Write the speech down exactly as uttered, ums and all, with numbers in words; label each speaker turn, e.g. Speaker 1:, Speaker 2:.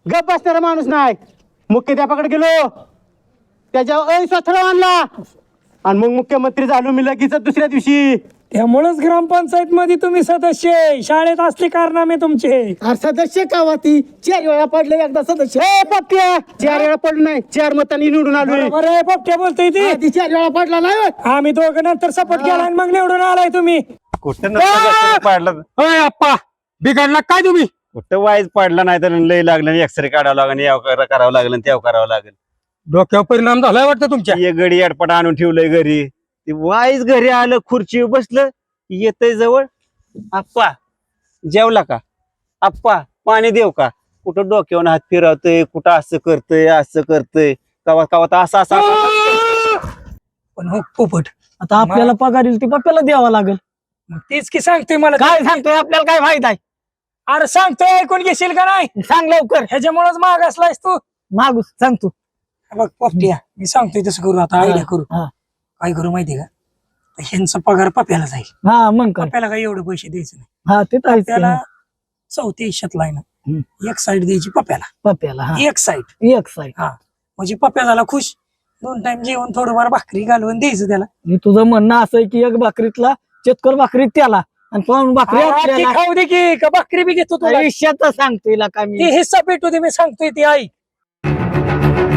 Speaker 1: गप बसणारा माणूस नाही. मुख्याध्यापकाकडे गेलो, त्याच्यावर अविश्वास ठराव आणला आणि मग मुख्यमंत्री झालो मी लगेच दुसऱ्या दिवशी.
Speaker 2: त्यामुळेच ग्रामपंचायत मध्ये तुम्ही सदस्य आहे. शाळेत असले कारनामे तुमचे.
Speaker 3: अरे सदस्य का ती चार वेळा पडले एकदा सदस्य.
Speaker 1: ए पप्प्या, चार वेळा पडलो नाही, चार मतांनी निवडून आलोय.
Speaker 2: बरोबर आहे, पोपट्या बोलतोय ती.
Speaker 3: आधी चार वेळा पडला नाही होय.
Speaker 2: आम्ही दोघं नंतर सपोर्ट केला आणि मग निवडून आलाय तुम्ही.
Speaker 4: कुठं पाडला
Speaker 5: अय अप्पा बिघडला काय तुम्ही?
Speaker 4: कुठं वाईज पडला नाही तर लय लागलं, एक्सरे काढावं लागेल, याव कर- करावं लागेल, त्याव करावं लागेल.
Speaker 5: डोक्यावर परिणाम झालाय वाटतं तुमच्या.
Speaker 4: ये गडी अडपट आणून ठेवलंय घरी. ते वाईज घरी आलं, खुर्चीवर बसलं, येतय जवळ. आप्पा जेवला का? आप्पा पाणी देऊ का? कुठं डोक्यावर हात फिरवतय, कुठं असं करतय, असं करतय, कवा कवा तर असं असं असं.
Speaker 2: पण हो पोपट,
Speaker 3: आता आपल्याला पगार येईल ती पप्प्याला द्यावा लागेल.
Speaker 2: मग तेच की सांगतोय मला.
Speaker 3: काय सांगतोय आपल्याला काय फायदा आहे?
Speaker 2: अरे सांगतोय, ऐकून घेशील का नाही?
Speaker 3: सांग लवकर.
Speaker 2: ह्याच्यामुळेच माग असलायस तू.
Speaker 3: मागू सांग तू.
Speaker 2: बघ पोपट्या, मी सांगतोय तसं करू. आता आयडिया करू.
Speaker 3: हा.
Speaker 2: काय करू माहितीये का? ह्यांचा पगार पप्याला जाईल.
Speaker 3: हा मग काय.
Speaker 2: पप्याला काही एवढे पैसे द्यायचे नाही.
Speaker 3: हा ते तर आहेच की.
Speaker 2: त्याला चौथ्या हिश्यातला आहे ना, एक साईड द्यायची पप्याला.
Speaker 3: पप्प्याला हा
Speaker 2: एक साईड.
Speaker 3: एक साईड.
Speaker 2: हा म्हणजे पप्या झाला खुश. दोन टाइम जेवण थोडंफार भाकरी घालवून द्यायचं त्याला.
Speaker 3: मी तुझं म्हणणं असं आहे की एक भाकरीतला चतकोर भाकरीत त्याला आणि पण भाकरी
Speaker 2: हा, ती
Speaker 3: आपल्याला.
Speaker 2: खाऊ दे की का भाकरी बी घेतो तुला.
Speaker 3: आयुष्यात सांगतोय का मी.
Speaker 2: ती हिस्सा भेटू दे, मी सांगतोय ती आई.